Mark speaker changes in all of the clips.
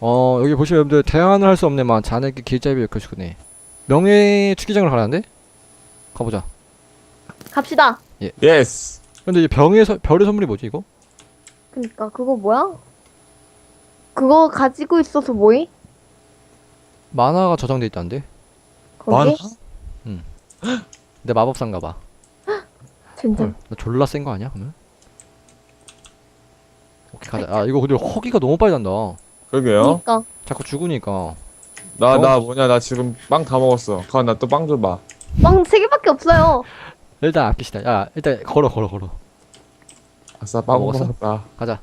Speaker 1: 여기 보시면 여러분들 대안을 할 수 없네만 자네께 길잡이를 켜주네. 명예 투기장을 가라는데? 가보자.
Speaker 2: 갑시다.
Speaker 3: 예스.
Speaker 1: 근데 이 별의 선물이 뭐지 이거?
Speaker 2: 그니까 그거 뭐야? 그거 가지고 있어서 뭐해?
Speaker 1: 만화가 저장돼 있다는데?
Speaker 2: 거기?
Speaker 1: 내 마법사인가봐.
Speaker 2: 진짜.
Speaker 1: 나 졸라 센 거 아니야 그러면? 오케이 가자. 아 이거 근데 허기가 너무 빨리 난다.
Speaker 3: 그러게요.
Speaker 2: 그니까.
Speaker 1: 자꾸 죽으니까.
Speaker 3: 나 뭐냐, 나 지금 빵 다 먹었어. 가, 나 또 빵 줘봐.
Speaker 2: 빵 3개밖에 없어요.
Speaker 1: 일단 아끼시다. 야 일단 걸어.
Speaker 3: 아싸, 빵
Speaker 1: 먹었어?
Speaker 3: 먹었다.
Speaker 1: 가자.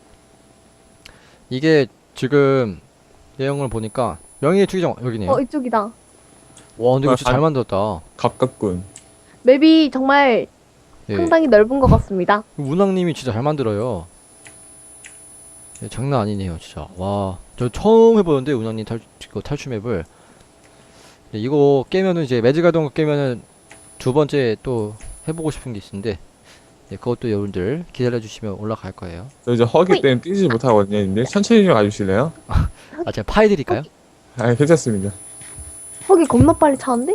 Speaker 1: 이게 지금 내용을 보니까 명예 투기장 여기네요.
Speaker 2: 이쪽이다.
Speaker 1: 와 근데 이거 진짜 잘 만들었다.
Speaker 3: 가깝군.
Speaker 2: 맵이 정말
Speaker 1: 예.
Speaker 2: 상당히 넓은 것 같습니다.
Speaker 1: 문학님이 진짜 잘 만들어요. 예, 장난 아니네요 진짜. 와 저 처음 해보는데 운항님 탈출 맵을. 예, 이거 깨면은 이제 매직가던 깨면은 두 번째 또 해보고 싶은 게 있는데 예, 그것도 여러분들 기다려주시면 올라갈 거예요.
Speaker 3: 저 이제 허기 때문에 뛰지 못하거든요, 근데 천천히 좀 가주실래요?
Speaker 1: 아 제가 파해드릴까요?
Speaker 3: 아, 괜찮습니다.
Speaker 2: 거기 겁나 빨리 차는데?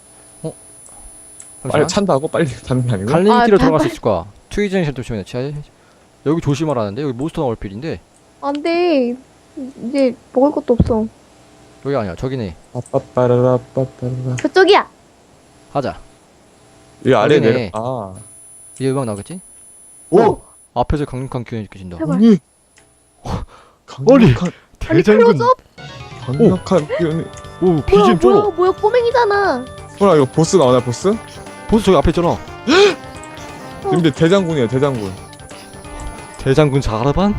Speaker 3: 빨리 찬다고? 빨리 타는 게 아니고?
Speaker 1: 갈림길로
Speaker 2: 아,
Speaker 1: 들어갈 수 있을 거야. 트위징 조심해. 여기 조심하라는데 여기 몬스터 나올 필인데
Speaker 2: 안 돼. 이제 먹을 것도 없어.
Speaker 1: 여기 아니야 저기네.
Speaker 3: 빠빠빠라라 빠빠라라.
Speaker 2: 저쪽이야.
Speaker 1: 가자.
Speaker 3: 이 아래
Speaker 1: 여기네.
Speaker 3: 내려. 아.
Speaker 1: 이게 음악 나겠지?
Speaker 3: 오!
Speaker 1: 앞에서 강력한 기운이 느껴진다.
Speaker 2: 제발.
Speaker 3: 아니. 강력한,
Speaker 2: 아니 클로즈업?
Speaker 3: 강력한 기운이.
Speaker 1: 오 BGM 쩔어.
Speaker 2: 뭐야 꼬맹이잖아.
Speaker 3: 뭐야, 이거 보스 나오나, 보스?
Speaker 1: 보스 저기 앞에 있잖아.
Speaker 3: 근데 대장군이에요, 대장군.
Speaker 1: 대장군 자라반?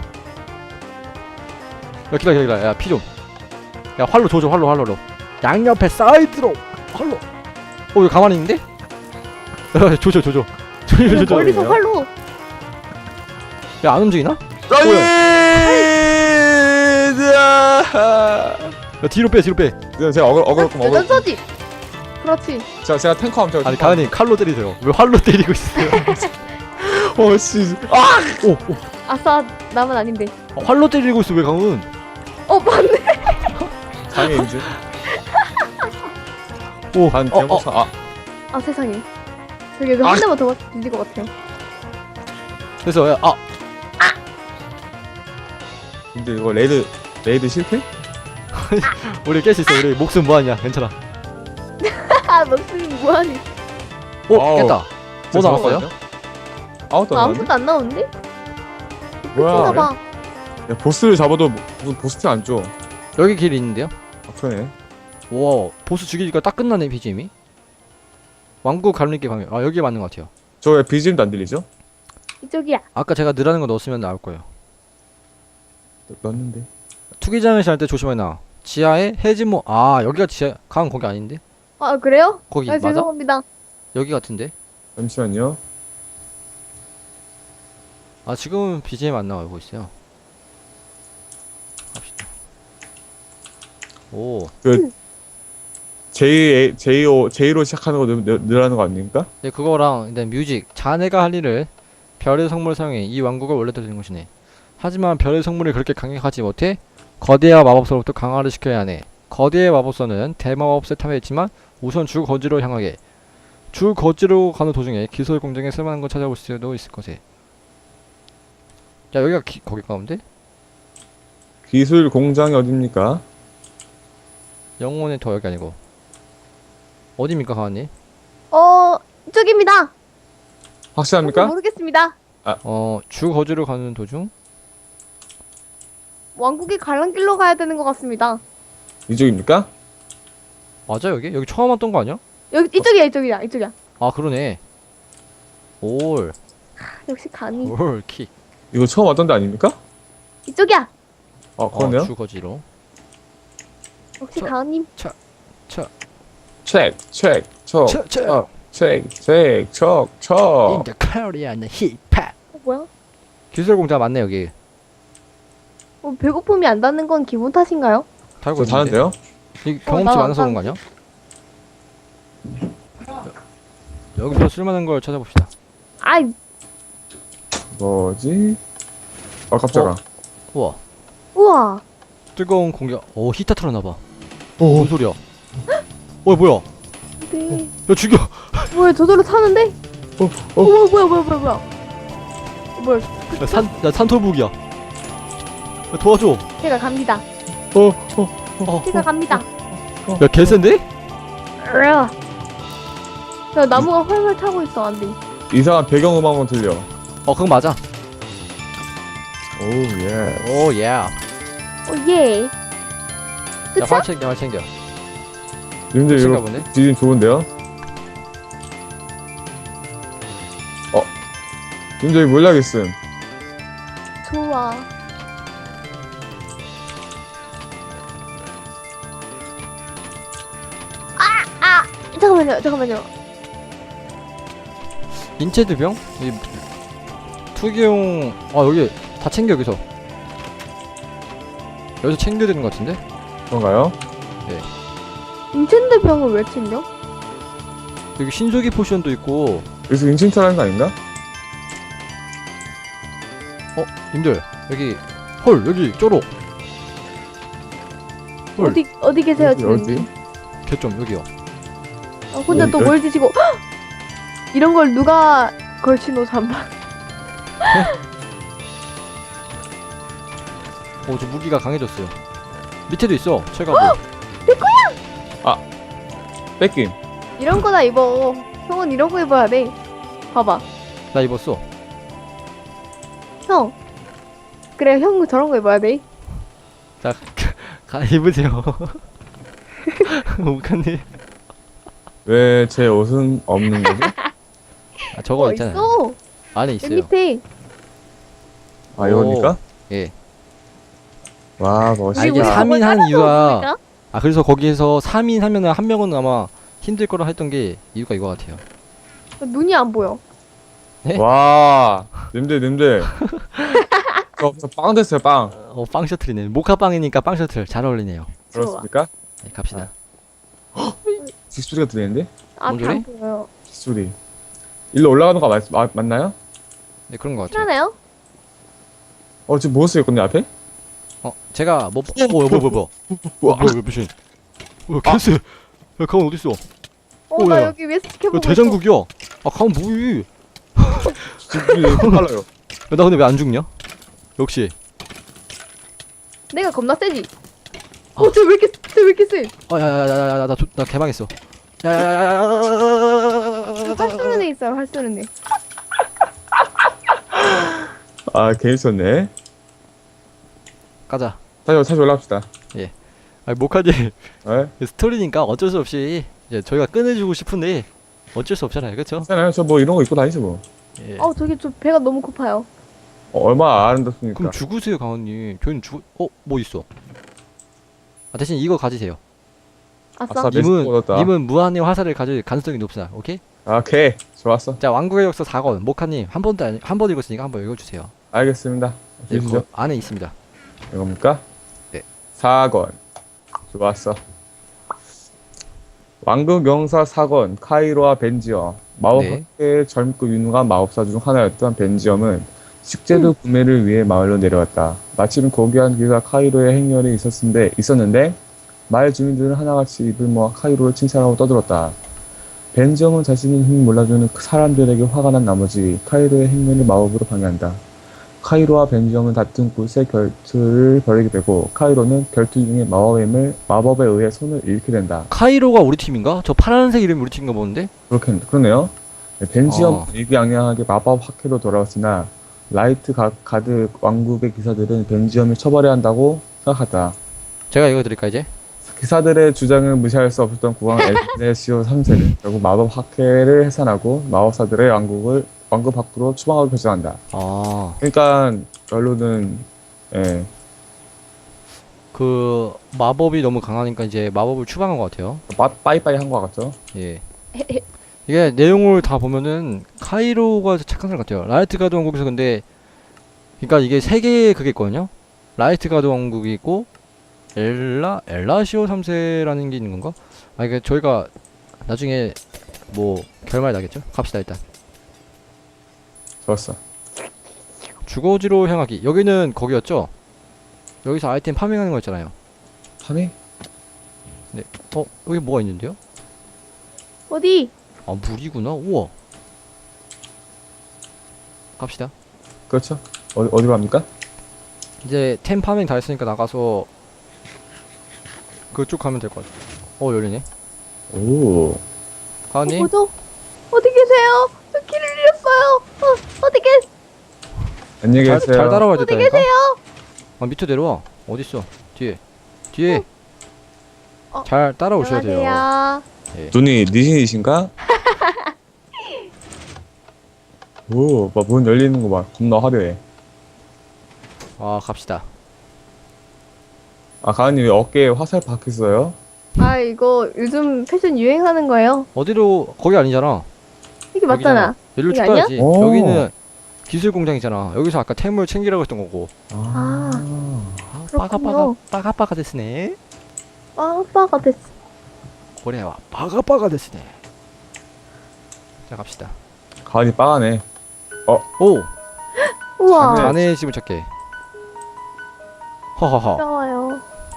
Speaker 1: 야 기다려. 야 피 좀. 야 활로 조져 활로. 양옆에 사이드로 활로. 왜 가만히 있는데? 야 조져.
Speaker 2: 멀리서 활로.
Speaker 1: 야 안 움직이나? 야 뒤로 빼.
Speaker 3: 제가 어그로
Speaker 2: 여전서지. 그렇지.
Speaker 3: 제가 탱커 함
Speaker 1: 아니 가은이 칼로 때리세요. 왜 활로 때리고 있어요?
Speaker 3: 씨. 아!
Speaker 1: 오
Speaker 2: 아싸 남은 아닌데.
Speaker 1: 활로 때리고 있어 왜 강은?
Speaker 2: 맞네.
Speaker 3: 장애인지.
Speaker 1: 오
Speaker 3: 반 대모사.
Speaker 2: 아 세상에. 저기 한 대만 더 뒤질 것 같아요.
Speaker 1: 그래서
Speaker 3: 근데 이거 레이드 실패?
Speaker 1: 우리 깰 수 있어. 우리 목숨 무한이야. 괜찮아.
Speaker 2: 목숨이 뭐하니?
Speaker 1: 오 깼다. 뭐 나왔어요?
Speaker 3: 아무것도 안 나왔네.
Speaker 2: 아무것도 안 나오는데?
Speaker 3: 뭐야?
Speaker 2: 봐.
Speaker 3: 야, 보스를 잡아도 무슨 보스트 안 줘.
Speaker 1: 여기 길이 있는데요?
Speaker 3: 아, 그러네.
Speaker 1: 와 보스 죽이니까 딱 끝나네 BGM이. 왕국 갈림길 방향. 아 여기 맞는 것 같아요.
Speaker 3: 저 왜 BGM도 안 들리죠?
Speaker 2: 이쪽이야.
Speaker 1: 아까 제가 느라는 거 넣었으면 나올 거예요.
Speaker 3: 넣었는데.
Speaker 1: 투기장을 할 때 조심해 나. 지하에 해진모. 아 여기가 지하. 강 거기 아닌데?
Speaker 2: 아 그래요?
Speaker 1: 거기 맞아?
Speaker 2: 죄송합니다.
Speaker 1: 여기 같은데?
Speaker 3: 잠시만요.
Speaker 1: 아 지금은 BGM 안 나오고 있어요. 갑시다. 오.
Speaker 3: J로 시작하는 거 늘어나는 거 아닙니까?
Speaker 1: 네 그거랑 일단 뮤직. 자네가 할 일을 별의 성물을 사용해 이 왕국을 원래대로 된 것이네. 하지만 별의 성물이 그렇게 강력하지 못해 거대한 마법사로부터 강화를 시켜야 하네. 거대의 마법사는 대마법사에 탐해있지만 우선 주 거지로 향하게. 주 거지로 가는 도중에 기술 공장에 쓸만한 걸 찾아볼 수도 있을 것에. 야 여기가 거기 가운데?
Speaker 3: 기술 공장이 어딥니까?
Speaker 1: 영혼의 더 여기 아니고 어디입니까 가은이?
Speaker 2: 이쪽입니다.
Speaker 3: 확실합니까?
Speaker 2: 모르겠습니다.
Speaker 1: 주 거지로 가는 도중?
Speaker 2: 왕국의 갈란길로 가야 되는 것 같습니다.
Speaker 3: 이쪽입니까?
Speaker 1: 맞아 여기? 여기 처음 왔던 거 아니야?
Speaker 2: 여기 이쪽이야.
Speaker 1: 아 그러네. 올
Speaker 2: 역시 간이.
Speaker 1: 킥.
Speaker 3: 이거 처음 왔던 데 아닙니까?
Speaker 2: 이쪽이야.
Speaker 3: 그러네요.
Speaker 1: 주 거지로.
Speaker 2: 역시
Speaker 1: 저-
Speaker 2: 가은님.
Speaker 3: 책, 척,
Speaker 1: 책.
Speaker 3: 척, 척.
Speaker 1: In the Korean 힙합.
Speaker 2: 뭐야?
Speaker 1: 기술 공장 맞네 여기.
Speaker 2: 배고픔이 안 닿는 건 기분 탓인가요?
Speaker 1: 달고
Speaker 3: 저
Speaker 1: 있는데.
Speaker 3: 다는데요?
Speaker 1: 이 경험치
Speaker 2: 나
Speaker 1: 많아서 그런 거 아니야? 여기서 쓸만한 걸 찾아봅시다.
Speaker 2: 아이,
Speaker 3: 뭐지? 깜짝아.
Speaker 1: 우와.
Speaker 2: 우와.
Speaker 1: 뜨거운 공격. 오 히터 틀어놔봐.
Speaker 3: 오.
Speaker 1: 뭔 소리야? 뭐야?
Speaker 2: 네.
Speaker 1: 야 죽여.
Speaker 2: 뭐야 저절로 타는데? 뭐야. 뭐야?
Speaker 1: 야 산토북이야. 야, 도와줘.
Speaker 2: 제가 갑니다.
Speaker 1: 어.
Speaker 2: 제가 갑니다.
Speaker 1: 야 개센데?
Speaker 2: 야 나무가 활활 타고 있어 안 돼.
Speaker 3: 이상한 배경음악은 들려.
Speaker 1: 그건 맞아.
Speaker 3: 오 예.
Speaker 1: 오 예. 야
Speaker 2: 예. 그쵸?
Speaker 1: 활 챙겨.
Speaker 3: 님들
Speaker 1: 끝인가
Speaker 3: 이거
Speaker 1: 보네.
Speaker 3: 디진 좋은데요? 님들 이거 몰라겠음.
Speaker 2: 좋아. 잠깐만요.
Speaker 1: 인체드병? 이 투기용. 여기 다 챙겨 여기서. 여기서 챙겨야 되는 것 같은데?
Speaker 3: 그런가요?
Speaker 2: 인챈드 병을 왜 챙겨?
Speaker 1: 여기 신조기 포션도 있고.
Speaker 3: 여기서 인칭탈하는 거 아닌가?
Speaker 1: 님들 여기 헐 여기 쪼록. 헐.
Speaker 2: 어디 계세요
Speaker 3: 어디,
Speaker 2: 지금?
Speaker 3: 어디?
Speaker 1: 개점 여기요.
Speaker 2: 혼자 또
Speaker 3: 어디?
Speaker 2: 뭘 드시고 헉! 이런 걸 누가 걸치노 잠바.
Speaker 1: 저 무기가 강해졌어요. 밑에도 있어. 철가구.
Speaker 3: 뺏김.
Speaker 2: 이런 거나 입어. 형은 이런 거 입어야 돼. 봐봐.
Speaker 1: 나 입었어.
Speaker 2: 형. 그래 형 저런 거 입어야 돼.
Speaker 1: 자 입으세요. 목한님.
Speaker 3: 왜 제 옷은 없는 거지?
Speaker 1: 저거 있잖아요.
Speaker 2: 있어.
Speaker 1: 안에
Speaker 2: 여기
Speaker 1: 있어요.
Speaker 2: 밑에.
Speaker 3: 아 이겁니까?
Speaker 1: 예.
Speaker 3: 와
Speaker 2: 우리
Speaker 3: 멋있다.
Speaker 1: 이게
Speaker 2: 우리
Speaker 1: 3인
Speaker 2: 저걸
Speaker 1: 하는 이유가-
Speaker 2: 따라서
Speaker 1: 그래서 거기에서 3인 하면은 한 명은 아마 힘들 거라 했던 게 이유가 이거 같아요.
Speaker 2: 보니까 눈이 안 보여.
Speaker 3: 와 님들 저빵 됐어요 빵.
Speaker 1: 빵 셔틀이네. 모카빵이니까 빵 셔틀 잘 어울리네요.
Speaker 2: 좋아.
Speaker 3: 그렇습니까?
Speaker 1: 네, 갑시다.
Speaker 3: 뒷소리가 들리는데?
Speaker 2: 앞이
Speaker 1: 뭔 소리?
Speaker 2: 안 보여요.
Speaker 3: 뒷소리. 일로 올라가는 거 맞나요?
Speaker 1: 네, 그런 것 같아요.
Speaker 2: 편하네요?
Speaker 3: 지금 뭐 쓰였거든요 앞에?
Speaker 1: 제가 뭐야.
Speaker 3: 우와.
Speaker 1: 뭐야 미친. 개쎄. 야 가운 어디 있어?
Speaker 2: 나
Speaker 1: 야.
Speaker 2: 여기 위에서 지켜보고 있어.
Speaker 1: 대장국이야. 가운 뭐이?
Speaker 3: 지금 빨라요.
Speaker 1: 야, 나 근데 왜 안 죽냐? 역시.
Speaker 2: 내가 겁나 세지?
Speaker 1: 아.
Speaker 2: 쟤 왜 이렇게 세?
Speaker 1: 야야야야야 나 개망했어. 야야야야야.
Speaker 2: 활 쏘는 애 있어요, 활 쏘는 애.
Speaker 3: 아 재밌었네.
Speaker 1: 가자.
Speaker 3: 다시 올라갑시다.
Speaker 1: 모카님
Speaker 3: 네?
Speaker 1: 스토리니까 어쩔 수 없이 이제 저희가 꺼내주고 싶은데 어쩔 수 없잖아요, 그렇죠?
Speaker 3: 괜찮아요. 저 뭐 이런 거 입고 다니죠 뭐.
Speaker 1: 예.
Speaker 2: 저기 저 배가 너무 고파요.
Speaker 3: 얼마나 아름답습니까?
Speaker 1: 그럼 죽으세요, 강원님. 저희는 뭐 있어? 대신 이거 가지세요.
Speaker 2: 아싸.
Speaker 3: 아싸. 메스트 얻었다.
Speaker 1: 님은 무한의 화살을 가질 가능성이 높습니다. 오케이?
Speaker 3: 오케이 좋았어.
Speaker 1: 자, 왕국의 역사 4권 모카님 한 번 읽었으니까 한 번 읽어주세요.
Speaker 3: 알겠습니다.
Speaker 1: 네,
Speaker 3: 주시죠.
Speaker 1: 그 안에 있습니다.
Speaker 3: 이겁니까?
Speaker 1: 네.
Speaker 3: 4권. 좋았어. 왕국 영사 4권 카이로와 벤지엄. 마법학계의
Speaker 1: 네.
Speaker 3: 젊고 유능한 마법사 중 하나였던 벤지엄은 식재료 구매를 위해 마을로 내려왔다. 마침 고귀한 길과 카이로의 행렬이 있었는데 마을 주민들은 하나같이 입을 모아 카이로를 칭찬하고 떠들었다. 벤지엄은 자신의 힘을 몰라주는 그 사람들에게 화가 난 나머지 카이로의 행렬을 마법으로 방해한다. 카이로와 벤지엄은 다툰 곳에 결투를 벌이게 되고 카이로는 결투 중에 마법에 의해 손을 잃게 된다.
Speaker 1: 카이로가 우리 팀인가? 저 파란색 이름이 우리 팀인가 보는데?
Speaker 3: 그러네요. 벤지엄은
Speaker 1: 아.
Speaker 3: 일기양양하게 마법 학회로 돌아왔으나 라이트 가드 왕국의 기사들은 벤지엄을 처벌해야 한다고 생각하다.
Speaker 1: 제가 이거 드릴까 이제?
Speaker 3: 기사들의 주장을 무시할 수 없었던 국왕 엘레시오 3세는 결국 마법 학회를 해산하고 마법사들의 왕국 밖으로 추방하고 결정한다. 그러니까 결론은
Speaker 1: 그 마법이 너무 강하니까 이제 마법을 추방한 것 같아요.
Speaker 3: 빠이빠이 한 것 같죠?
Speaker 1: 예. 이게 내용을 다 보면은 카이로가 착한 사람 같아요. 라이트 가드 왕국에서 근데 그러니까 이게 세 개의 그게 있거든요. 라이트 가드 왕국이 있고 엘라시오 3세라는 게 있는 건가? 이게 저희가 나중에 뭐 결말이 나겠죠? 갑시다 일단.
Speaker 3: 좋았어.
Speaker 1: 주거지로 향하기. 여기는 거기였죠? 여기서 아이템 파밍하는 거 있잖아요.
Speaker 3: 파밍?
Speaker 1: 여기 뭐가 있는데요?
Speaker 2: 어디?
Speaker 1: 아, 물이구나. 우와. 갑시다.
Speaker 3: 그렇죠. 어디로 갑니까?
Speaker 1: 이제 템 파밍 다 했으니까 나가서 그쪽 가면 될 것 같아. 열리네.
Speaker 3: 오.
Speaker 1: 가은님,
Speaker 2: 뭐죠? 어디 계세요? 저 길을 잃었어요. 어디
Speaker 3: 안녕히
Speaker 1: 잘
Speaker 3: 계세요.
Speaker 1: 따라와야
Speaker 2: 어디
Speaker 1: 된다니까?
Speaker 2: 계세요?
Speaker 1: 밑으로 내려와. 어딨어? 뒤에.
Speaker 2: 어.
Speaker 1: 잘 따라오셔야 돼요.
Speaker 2: 안녕하세요.
Speaker 3: 눈이 니신이신가? 오, 막 문 열리는 거 봐. 겁나 화려해.
Speaker 1: 갑시다.
Speaker 3: 아, 가은님 왜 어깨에 화살 박혔어요?
Speaker 2: 아, 이거 요즘 패션 유행하는 거예요.
Speaker 1: 어디로, 거기 아니잖아.
Speaker 2: 이게 맞잖아.
Speaker 1: 여기로
Speaker 2: 여기
Speaker 1: 쭉 가야지.
Speaker 3: 오.
Speaker 1: 여기는 기술 공장이잖아. 여기서 아까 템을 챙기라고 했던 거고.
Speaker 2: 그렇군요.
Speaker 1: 빠가빠가 됐으네.
Speaker 2: 빠빠가 됐어.
Speaker 1: 그래와 빠가빠가 됐으네. 자, 갑시다.
Speaker 3: 가은이 빠가네.
Speaker 1: 오!
Speaker 2: 우와.
Speaker 3: 자네.
Speaker 1: 자네의 집을 찾게. 허허허.
Speaker 2: 좋아요.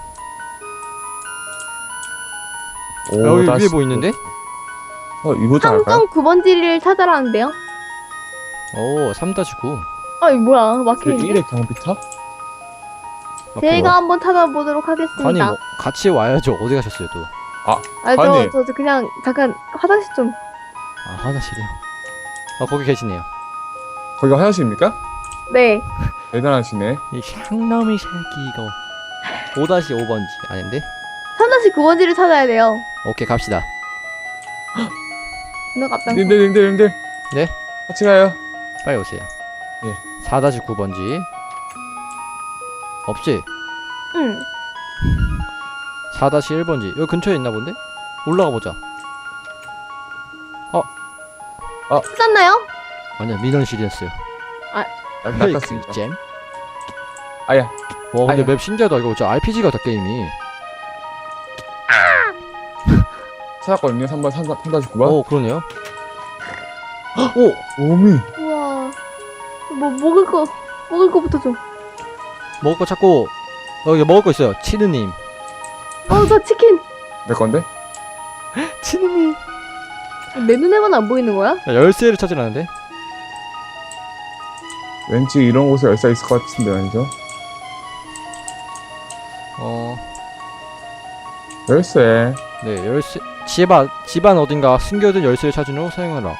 Speaker 3: 오,
Speaker 1: 여기
Speaker 3: 다시
Speaker 1: 위에 뭐 있는데?
Speaker 3: 이거도 할까요?
Speaker 2: 항정 9번지를 찾아라는데요.
Speaker 1: 오, 3-9.
Speaker 2: 아, 이거 뭐야?
Speaker 3: 그
Speaker 2: 막혀있네.
Speaker 3: 1의 경비탑?
Speaker 2: 제가 한번 찾아보도록
Speaker 1: 아니,
Speaker 2: 하겠습니다.
Speaker 1: 뭐, 같이 와야죠. 어디 가셨어요, 또?
Speaker 2: 아,
Speaker 3: 아니.
Speaker 2: 저 그냥 잠깐 화장실 좀.
Speaker 1: 화장실이요. 거기 계시네요.
Speaker 3: 거기가 화장실입니까?
Speaker 2: 네.
Speaker 3: 대단하시네.
Speaker 1: 이 향놈이 새끼 이거. 5-5번지. 아닌데?
Speaker 2: 3-9번지를 찾아야 돼요.
Speaker 1: 오케이, 갑시다.
Speaker 2: 너 깜짝.
Speaker 3: 님들.
Speaker 1: 네?
Speaker 3: 같이 가요.
Speaker 1: 빨리 오세요.
Speaker 3: 예.
Speaker 1: 4-9번지. 없지?
Speaker 2: 응.
Speaker 1: 4-1번지. 여기 근처에 있나 본데? 올라가 보자.
Speaker 2: 찾았나요?
Speaker 1: 아니야, 민원실이었어요.
Speaker 3: 낚았습니다.
Speaker 1: 잼?
Speaker 3: 아야.
Speaker 1: 와, 근데
Speaker 3: 아니야.
Speaker 1: 맵 신기하다. 이거 진짜 RPG 같다, 게임이.
Speaker 3: 찾았거든요. 3-9번.
Speaker 1: 그러네요. 오!
Speaker 3: 오미.
Speaker 2: 우와. 뭐 먹을 거부터 좀.
Speaker 1: 먹을 거 찾고, 여기 먹을 거 있어요. 치느님.
Speaker 2: 저 치킨.
Speaker 3: 내 건데?
Speaker 1: 치느님.
Speaker 2: 내 눈에만 안 보이는 거야?
Speaker 1: 열쇠를 찾으라는데?
Speaker 3: 왠지 이런 곳에 열쇠 있을 것 같은데 아니죠? 열쇠.
Speaker 1: 네, 열쇠. 집안 어딘가 숨겨둔 열쇠를 찾은 후 사용하라.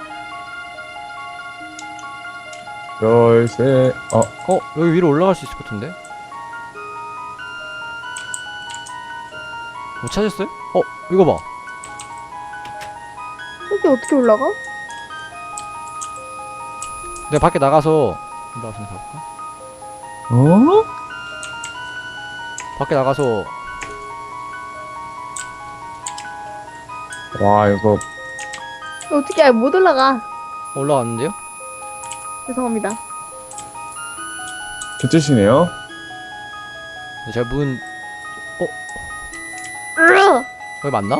Speaker 3: 열쇠.
Speaker 1: 여기 위로 올라갈 수 있을 것 같은데? 못 찾았어요? 이거 봐.
Speaker 2: 여기 어떻게 올라가?
Speaker 1: 내가 밖에 나가서 가볼까? 밖에 나가서
Speaker 3: 와, 이거
Speaker 2: 어떻게 못 올라가?
Speaker 1: 올라갔는데요?
Speaker 2: 죄송합니다.
Speaker 3: 개뜻이네요.
Speaker 1: 네, 제가 문
Speaker 2: 으아!
Speaker 1: 여기 맞나?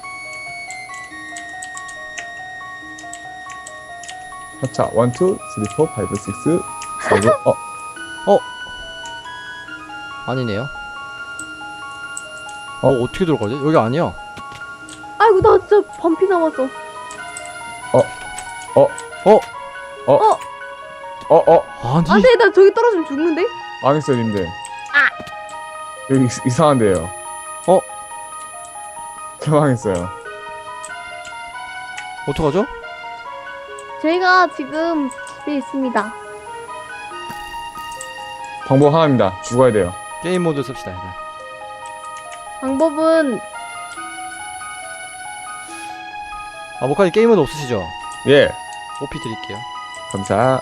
Speaker 3: 자, 1, 2, 3, 4, 5, 6, 7.
Speaker 1: 아니네요. 어떻게 들어가지? 여기 아니야.
Speaker 2: 아이고 나 진짜 반피 남았어.
Speaker 1: 아니.
Speaker 2: 안돼 나 저기 떨어지면 죽는데?
Speaker 3: 망했어요, 님들. 여기 이상한데요. 개망했어요.
Speaker 1: 어떡하죠?
Speaker 2: 저희가 지금 집에 있습니다.
Speaker 3: 방법 하나입니다. 죽어야 돼요.
Speaker 1: 게임 모드 씁시다. 일단.
Speaker 2: 방법은
Speaker 1: 목카님 게임 모드 없으시죠?
Speaker 3: 예.
Speaker 1: OP 드릴게요.
Speaker 3: 감사.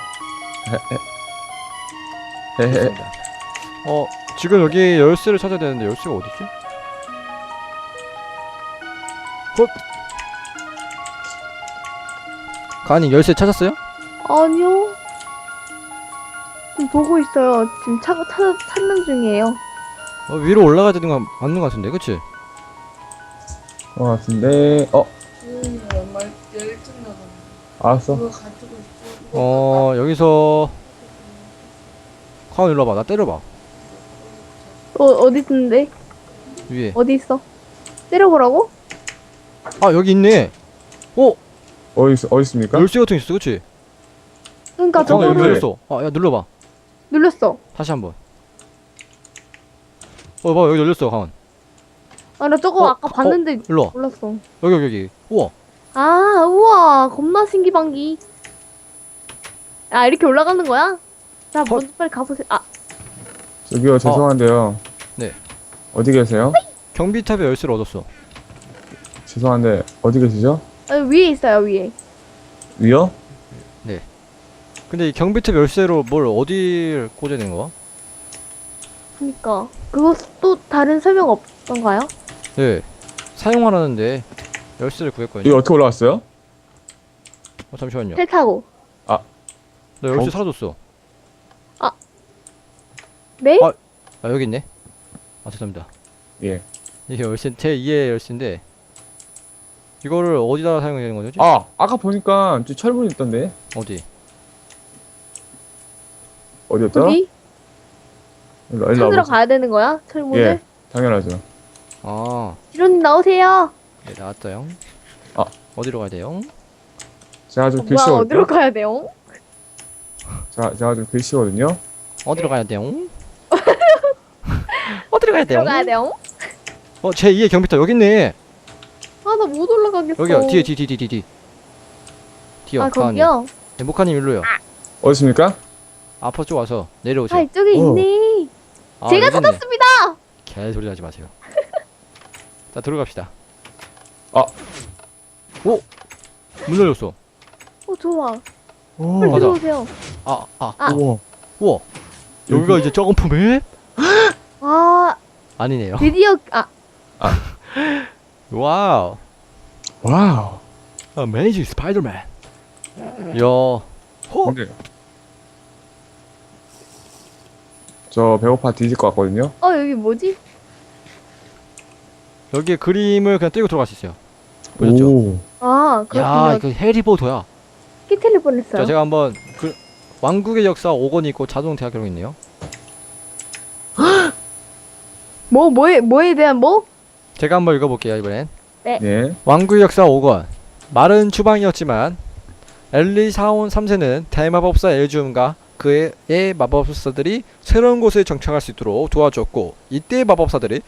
Speaker 3: 헤헤.
Speaker 1: 좋습니다. 지금 여기 열쇠를 찾아야 되는데 열쇠가 어딨지? 가은님 열쇠 찾았어요?
Speaker 2: 아니요. 지금 보고 있어요. 지금 찾는 중이에요.
Speaker 1: 위로 올라가야 되는 거 맞는 거 같은데, 그치?
Speaker 3: 같은데. 알았어.
Speaker 1: 여기서 가은 일로 와봐. 나 때려봐.
Speaker 2: 어디 있는데?
Speaker 1: 위에.
Speaker 2: 어디 있어? 때려보라고?
Speaker 1: 아 여기 있네.
Speaker 3: 어디 있습니까?
Speaker 1: 열쇠 같은 게 있어, 그렇지?
Speaker 2: 그러니까
Speaker 3: 저거
Speaker 1: 여기
Speaker 2: 저거를
Speaker 1: 열렸어. 아, 야 눌러봐.
Speaker 2: 눌렀어.
Speaker 1: 다시 한번. 봐, 여기 열렸어, 가만.
Speaker 2: 아, 나 저거 아까
Speaker 1: 어,
Speaker 2: 봤는데
Speaker 1: 일로 와.
Speaker 2: 몰랐어.
Speaker 1: 여기. 우와.
Speaker 2: 아, 우와, 겁나 신기방기. 아, 이렇게 올라가는 거야? 자, 먼저 빨리 가보세요. 아,
Speaker 3: 저기요, 죄송한데요.
Speaker 1: 네.
Speaker 3: 어디 계세요?
Speaker 1: 경비탑에 열쇠를 얻었어.
Speaker 3: 죄송한데, 어디 계시죠?
Speaker 2: 위에 있어요, 위에.
Speaker 3: 위요?
Speaker 1: 근데 이 경비탑 열쇠로 뭘 어디를 꽂아야 되는 거야?
Speaker 2: 그니까. 그거 또 다른 설명 없던가요?
Speaker 1: 네. 사용하라는데 열쇠를
Speaker 3: 여기
Speaker 1: 구했거든요.
Speaker 3: 어떻게 올라왔어요?
Speaker 1: 잠시만요.
Speaker 2: 텔 타고.
Speaker 1: 나 열쇠
Speaker 3: 어?
Speaker 1: 사라졌어.
Speaker 2: 네?
Speaker 1: 아. 아 여기 있네. 아 죄송합니다.
Speaker 3: 예.
Speaker 1: 이게 열쇠 제 2의 열쇠인데 이거를 어디다 사용해야 되는 거지?
Speaker 3: 아, 아까 보니까 저 철문이 있던데.
Speaker 1: 어디?
Speaker 3: 어디였죠?
Speaker 2: 여기?
Speaker 3: 일로
Speaker 2: 찾으러
Speaker 3: 와보세요.
Speaker 2: 가야 되는 거야? 철문을?
Speaker 3: 예, 당연하죠.
Speaker 1: 아,
Speaker 2: 지론님 나오세요.
Speaker 1: 네 나왔어요.
Speaker 3: 아.
Speaker 1: 어디로 가야 돼요?
Speaker 3: 제가 좀
Speaker 2: 뭐야,
Speaker 3: 글씨거든요.
Speaker 2: 어디로 가야 돼요?
Speaker 3: 제가 좀 글씨거든요.
Speaker 1: 어디로 가야 돼요? 어디로 가야 돼요?
Speaker 2: 어디로 가야 돼요?
Speaker 1: 제 2의 경비탑 여기 있네.
Speaker 2: 아, 나 못 올라가겠어.
Speaker 1: 여기요. 뒤에. 뒤요.
Speaker 2: 아,
Speaker 1: 가은이.
Speaker 2: 거기요?
Speaker 1: 네, 목카님 일로요.
Speaker 3: 어디 있습니까?
Speaker 1: 앞으로 쭉 와서 내려오세요.
Speaker 2: 아, 이쪽에 있네.
Speaker 1: 아,
Speaker 2: 제가
Speaker 1: 여기 있네.
Speaker 2: 찾았습니다.
Speaker 1: 개소리 하지 마세요. 자, 들어갑시다.
Speaker 3: 아.
Speaker 1: 오! 문 열렸어.
Speaker 2: 좋아.
Speaker 3: 오,
Speaker 2: 빨리
Speaker 1: 맞아.
Speaker 2: 들어오세요.
Speaker 1: 아.
Speaker 3: 우와.
Speaker 1: 우와. 여기가 이제 점프 맵?
Speaker 2: 아,
Speaker 1: 아니네요.
Speaker 2: 드디어,
Speaker 1: 와우.
Speaker 3: 와우.
Speaker 1: 어메이징 스파이더맨. 야.
Speaker 3: 근데 저 배고파 뒤질 것 같거든요.
Speaker 2: 여기 뭐지?
Speaker 1: 여기에 그림을 그냥 띄고 들어갈 수 있어요. 보셨죠?
Speaker 3: 오.
Speaker 2: 아,
Speaker 1: 야,
Speaker 2: 그렇군요.
Speaker 1: 이거 해리포터야.
Speaker 2: 끼틀릴 뻔했어요.
Speaker 1: 자, 제가 한번 왕국의 역사 5권이 있고 자동 대학 기록이 있네요.
Speaker 2: 뭐에 대한 뭐?
Speaker 1: 제가 한번 읽어볼게요, 이번엔.
Speaker 3: 예.
Speaker 1: 왕국의 역사 5권. 마른 추방이었지만 엘리사온 3세는 대마법사 엘주음과 그의 마법사들이 새로운 곳에 정착할 수 있도록 도와줬고, 이때 마법사들이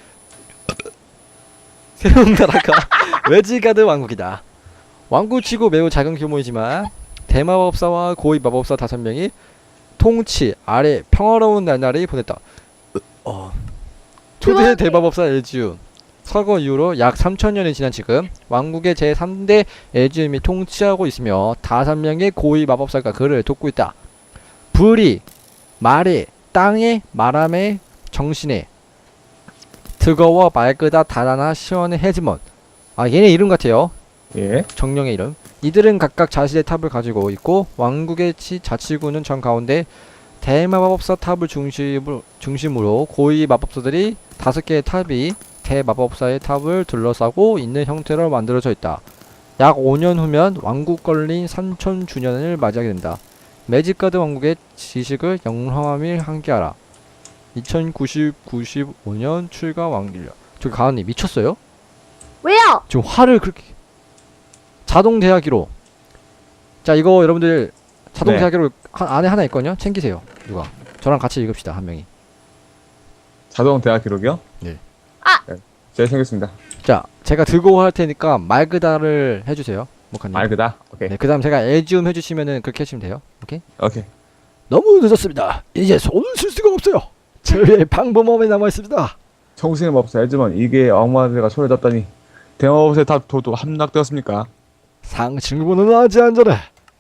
Speaker 1: 새로운 나라가 웨지가드 왕국이다. 왕국치고 매우 작은 규모이지만 대마법사와 고위 마법사 5명이 통치 아래 평화로운 날날이 보냈다. 초대 대마법사 엘지움 서거 이후로 약 3000년이 지난 지금 왕국의 제3대 엘지움이 통치하고 있으며 5명의 고위 마법사가 그를 돕고 있다. 불이, 말에, 땅에, 말함에, 정신에 뜨거워 맑으다 달아나 시원해 헤즈먼. 얘네 이름 같아요.
Speaker 3: 예.
Speaker 1: 정령의 이름. 이들은 각각 자신의 탑을 가지고 있고 왕국의 자치구는 정 가운데 대마법사 탑을 중심으로 고위 마법사들이 5개의 탑이 대마법사의 탑을 둘러싸고 있는 형태로 만들어져 있다. 약 5년 후면 왕국 건립 3000주년을 맞이하게 된다. 매직가드 왕국의 지식을 영함을 함께하라. 2095년 출가 왕길력. 저기 가은님 미쳤어요?
Speaker 2: 왜요?
Speaker 1: 지금 화를 그렇게 자동 대하기로. 자, 이거 여러분들 자동
Speaker 3: 네.
Speaker 1: 대하기로 안에 하나 있거든요. 챙기세요. 누가 저랑 같이 읽읍시다. 한 명이.
Speaker 3: 자동 대학 기록이요?
Speaker 1: 네.
Speaker 3: 네. 제가 챙겼습니다.
Speaker 1: 자, 제가 들고 할 테니까 말그다를 해주세요. 목카님.
Speaker 3: 맑으다. 오케이.
Speaker 1: 네, 그 다음 제가 엘지움 해주시면은 그렇게 해주시면 돼요. 오케이?
Speaker 3: 오케이.
Speaker 1: 너무 늦었습니다. 이제 손을 쓸 수가 없어요. 저의 방법만 남아있습니다.
Speaker 3: 청신의 법사 해지만 이게 악마들과 손을 잡다니 대마법사의 탑 도도 함락되었습니까?
Speaker 1: 상층부는 아직 안전해.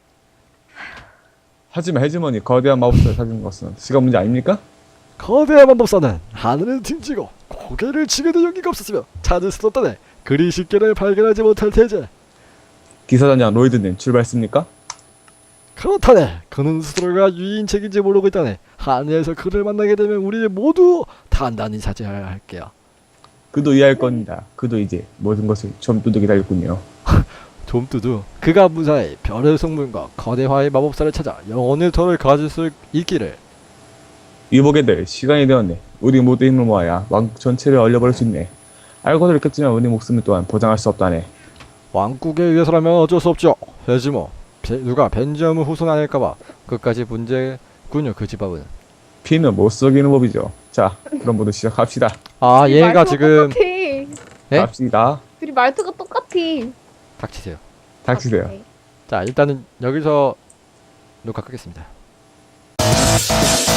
Speaker 3: 하지만 해지먼이 거대한 마법사를 찾은 것은 시간 문제 아닙니까?
Speaker 1: 거대한 마법사는 하늘을 등지고 고개를 치게도 용기가 없었으며 찾을 수 없다네. 그리 쉽게는 발견하지 못할 테제.
Speaker 3: 기사단장 로이드님 출발했습니까?
Speaker 1: 그렇다네. 그는 스스로가 유인책인지 모르고 있다네. 하늘에서 그를 만나게 되면 우리 모두 단단히 차지해야 할게요.
Speaker 3: 그도 이해할 겁니다. 그도 이제 모든 것을 좀두둑 기다렸군요.
Speaker 1: 좀두두. 그가 무사히 별의 성분과 거대화의 마법사를 찾아 영혼의 터를 가질 수 있기를.
Speaker 3: 이보게들 시간이 되었네. 우리 모두 힘을 모아야 왕국 전체를 얼려버릴 수 있네. 알고도 있겠지만 우리 목숨을 또한 보장할 수 없다네.
Speaker 1: 왕국에 위해서라면 어쩔 수 없죠. 해지 뭐. 누가 벤지엄을 후손아닐까봐 끝까지 문제군요. 그 집합은.
Speaker 3: 피는 못 속이는 법이죠. 자, 그럼 모두 시작합시다.
Speaker 1: 아
Speaker 2: 둘이
Speaker 1: 얘가
Speaker 2: 말투가
Speaker 1: 지금
Speaker 2: 똑같아.
Speaker 1: 예?
Speaker 3: 갑시다.
Speaker 2: 둘이 말투가 똑같아.
Speaker 1: 닥치세요.
Speaker 3: 닥치세요.
Speaker 2: 오케이.
Speaker 1: 자 일단은 여기서 녹화 끄겠습니다.